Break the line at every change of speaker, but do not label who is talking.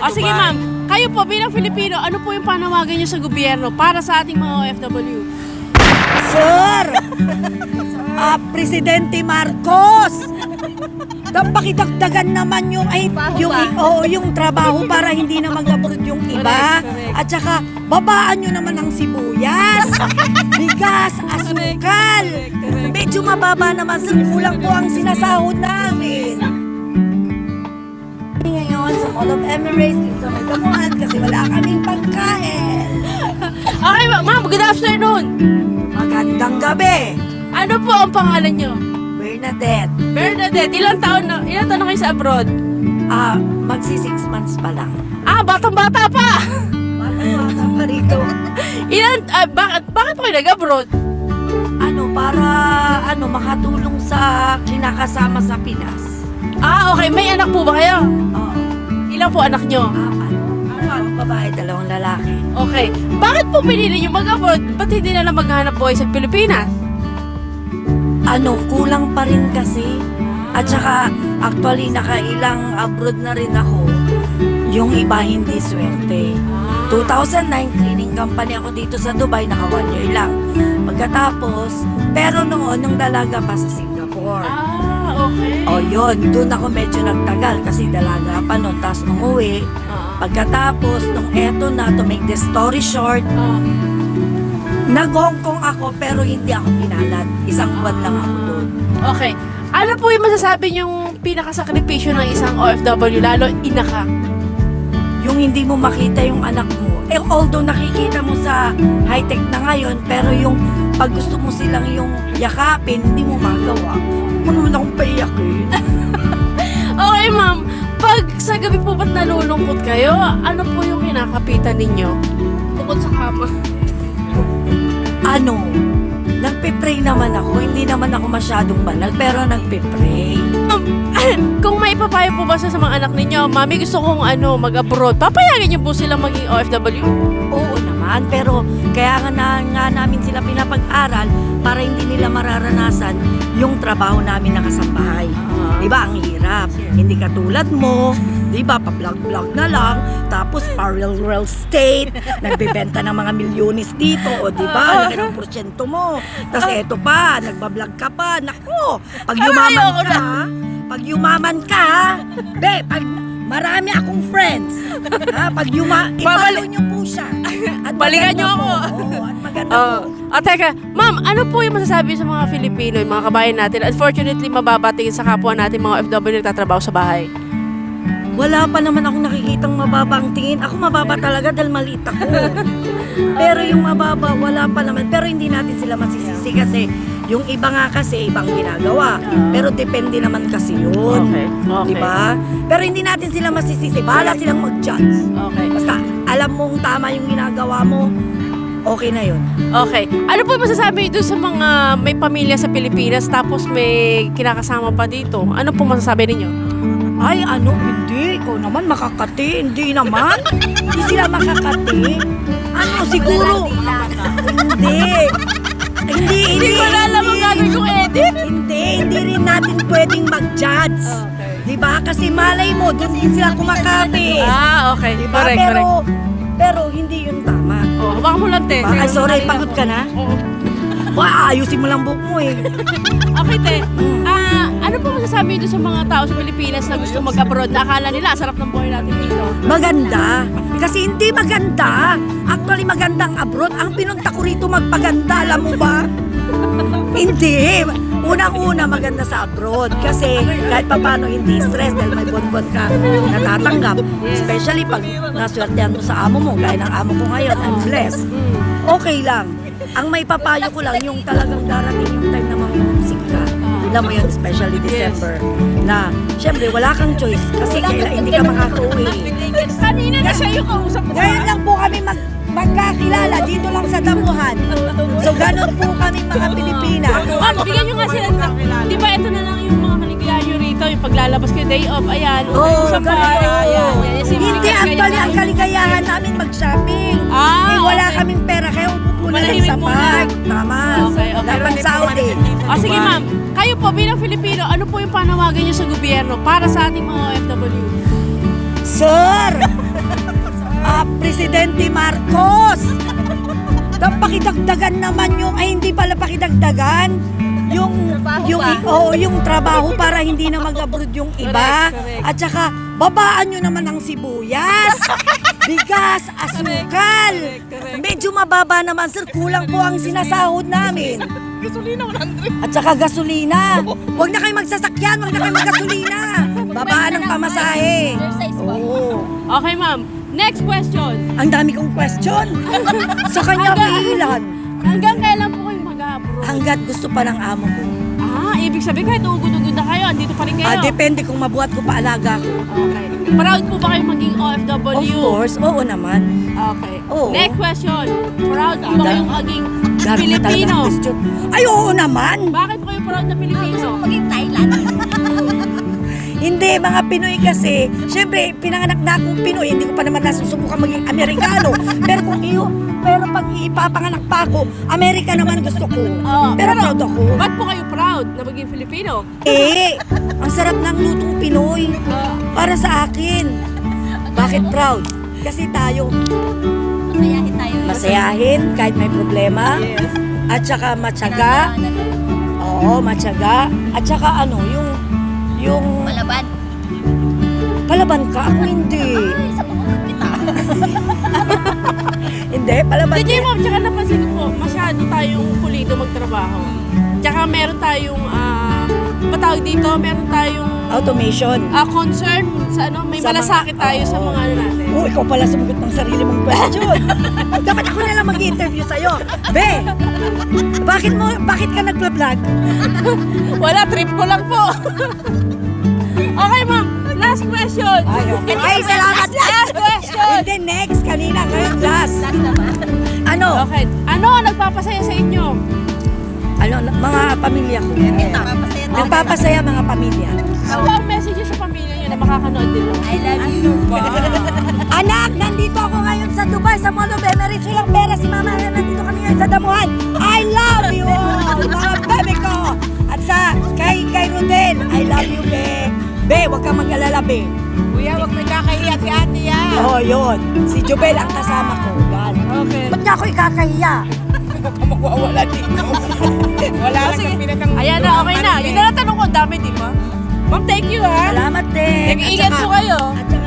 O sige ma'am, kayo po bilang Filipino, ano po yung panawagan nyo sa gobyerno para sa ating mga OFW?
Sir! Presidente Marcos! Pakidagdagan naman yung trabaho para hindi na mag-abroad yung iba.
Correct.
At saka, babaan nyo naman ang sibuyas, bigas, asukal. Medyo mababa naman, sir. Kulang po ang sinasahod namin. Ngayon, sa Mall of Emirates, sa may damuhan, kasi wala kaming pagkain.
Okay ma'am, good afternoon.
Magandang gabi,
Ano po ang pangalan nyo?
Bernadette.
Bernadette, ilang taon na kayo sa abroad?
Magsi 6 months pa lang.
Batang-bata pa!
Bata pa rito.
Bakit po kayo nag-abroad?
Para makatulong sa kinakasama sa Pinas.
Okay, may anak po ba kayo?
Oo.
Ilan po anak nyo?
4 babae, 2 lalaki.
Okay, bakit po pinili nyo mag-abroad? Ba't hindi na lang maghanap buhay sa Pilipinas?
Kulang pa rin kasi. At saka, actually, nakailang abroad na rin ako. Yung iba hindi swerte. 2009, cleaning company ako dito sa Dubai, naka 1 year lang. Pagkatapos, pero noon, nung dalaga pa sa Singapore.
Okay.
Yun, doon ako medyo nagtagal kasi dalaga pa noon. Tapos nung uwi, pagkatapos, nung eto na, to make the story short, nag-Hong Kong ako pero hindi ako pinalad. 1 buwan lang ako doon.
Okay. Ano po yung masasabi yung pinakasakripisyo ng isang OFW, lalo ina ka?
Yung hindi mo makita yung anak mo. Although nakikita mo sa high-tech na ngayon, pero yung pag gusto mo silang yung yakapin, hindi mo magawa. Huwag mo naman akong paiyakin.
Okay ma'am, pag sa gabi po ba't nalulungkot kayo, ano po yung kinakapitan ninyo? Bukod sa kama.
Nagpe-pray naman ako. Hindi naman ako masyadong banal, pero nagpe-pray.
Kung may papayo po ba sa mga anak ninyo, mami gusto kong mag-abroad, papayagan niyo po silang maging OFW?
Oo naman, pero kaya nga namin sila pinapag-aral para hindi nila mararanasan yung trabaho namin na kasambahay. Diba, ang hirap. Hindi katulad mo, diba, pa-vlog-vlog na lang, tapos pa-real estate, nagbebenta ng mga milyones dito, o diba, laki ng porsyento mo. Tapos eto pa, nagbablog ka pa, naku, pag yumaman ka, pag marami akong friends, i-follow nyo po siya. At
Balikan nyo ako.
At maganda po.
Teka, ma'am, ano po yung masasabi sa mga Filipino, yung mga kabayan natin, unfortunately mababatingin sa kapwa natin mga OFW nagtatrabaho sa bahay?
Wala pa naman akong nakikitang mababa ang tingin. Ako mababa talaga dahil maliit ako. Pero yung mababa, wala pa naman. Pero hindi natin sila masisisi kasi yung iba nga kasi ibang ginagawa. Pero depende naman kasi yun.
Okay.
Diba? Pero hindi natin sila masisisi. Bahala silang mag-judge.
Okay.
Basta alam mong tama yung ginagawa mo, okay na yun.
Okay. Ano po yung masasabi doon sa mga may pamilya sa Pilipinas tapos may kinakasama pa dito? Ano po masasabi ninyo?
Ay, hindi. Ikaw naman makakati. Hindi naman. Hindi sila makakati. Siguro. Hindi
ko na alam ang gagawin kong edit.
Hindi rin natin pwedeng mag-judge.
Okay.
Diba? Kasi malay mo, doon din sila kumakapit.
Okay.
Diba?
Correct.
Pero hindi yun tama.
Hawakan mo lang, te.
Ay, sorry, pagod ka na?
Oo.
Ayusin mo lang buhok mo eh.
Okay, te. Ano po masasabi doon sa mga tao sa Pilipinas na gusto mag-abroad na akala nila sarap ng buhay natin dito?
Maganda. Kasi hindi maganda. Actually, maganda ang abroad. Ang pinunta ko rito magpaganda, alam mo ba? Hindi. Unang-una maganda sa abroad. Kasi kahit paano hindi stress dahil may bonbon ka natatanggap. Especially pag naswertehan mo sa amo mo. Gaya ng amo ko ngayon, I'm blessed. Okay lang. Ang may papayo ko lang yung talagang darating yung time na mamumsik ka. Alam mo yun, especially December. Na, syempre, wala kang choice kasi hindi ka makaka-uwi.
Kanina na siya yung kausap ko.
Ngayon lang po kami magkakilala dito lang sa damuhan. So, ganun po kami mga Pilipina.
Bigyan nyo nga sila. Di ba ito na lang yung mga kaligayahan nyo rito, yung paglalabas kayo day off, ayan. Sa bahay, ayan.
Hindi, actually, ang kaligayahan namin mag-shopping. Wala kaming pera, kaya upo na lang sa park. Tama.
Okay.
Dapat Saudi.
Sige ma'am, kayo po bilang Filipino, ano po yung panawagan nyo sa gobyerno para sa ating mga OFW?
Sir! Presidente Marcos. Pakidagdagan naman yung, ay hindi pala pakidagdagan, yung trabaho para hindi na mag-abroad yung iba.
Correct.
At saka, babaan nyo naman ang sibuyas, bigas, asukal.
Correct.
Medyo mababa naman, sir. Kulang po ang sinasahod namin.
Gasolina 100.
At saka gasolina. Huwag na kayo magsasakyan, huwag na kayo maggasolina. Babaan ang pamasahe. Oo.
Okay, ma'am. Next question.
Ang dami kong question. Sa kanya ilan?
Hanggang kailan po kayo mag-abroad?
Hanggat gusto pa ng amo ko.
Ibig sabihin kahit ugod-ugod na kayo, andito pa rin kayo.
Depende kung mabuhat ko paalaga ko.
Okay. Proud po ba kayo maging OFW?
Of course, oo naman.
Okay.
Oo.
Next question. Proud po ba kayong maging
Dami na talagang
Pilipino?
question. Ay, oo naman.
Bakit po kayo proud na Pilipino?
Maging Thailand.
Hindi, mga Pinoy kasi, syempre, pinanganak na akong Pinoy, hindi ko pa naman nasusubukan maging Amerikano. Pero pag ipapanganak pa ako, Amerika naman gusto ko. Pero proud ako.
Ba't po kayo proud na maging Filipino?
Ang sarap ng lutong Pinoy. Para sa akin. Bakit proud? Kasi tayo,
Masayahin tayo.
masayahin kahit may problema.
Yes.
At saka matyaga. Oo, matyaga. At saka yung
Malaban.
palaban ka. Ako hindi.
Ay, sa pangungkot kita.
Hindi, palaban
DJ
ka.
Ma'am, tsaka napansin ko po, masyado tayong pulido magtrabaho. Tsaka meron tayong, matawag dito, meron tayong
Automation.
concern sa may
Sa
malasakit
mga-
tayo sa
oo.
mga natin.
Ikaw pala sumagot ng sarili mong question. Dapat ako na lang mag-interview sa'yo. Be, bakit ka nagpa-vlog?
Wala, trip ko lang po. Okay, ma'am. Last question.
Ay, salamat.
Last question.
Hindi, next. Kanina, ngayon, last.
Last naman.
Ano?
Okay. Ano ang nagpapasaya sa inyo?
Mga pamilya ko.
Ito, papasaya tayo.
Nagpapasaya mga pamilya.
Ano ang message sa pamilya niyo na makakanood dito?
I love you.
Anak, nandito ako ngayon sa Dubai, sa Mall of Emirates. Walang pera si Mama. Nandito kami ngayon sa Damuhan. I love you all, mga bebe ko. At kay Rodel, I love you, be. Be, huwag kang mag-alala, be.
Kuya, wag nagkakahiya si ate yan.
Oo, yun. Si Jubel ang kasama ko. Yan.
Okay.
Ba't niya ako ikakahiya?
Magwawala dito. Wala lang
Sige.
kang pinakang...
Ayan na, okay na. Yun na lang tanong ko. Ang dami, di ba? Ma'am, thank you ha.
Salamat din.
Nag-iingat
At saka-
po kayo.
At saka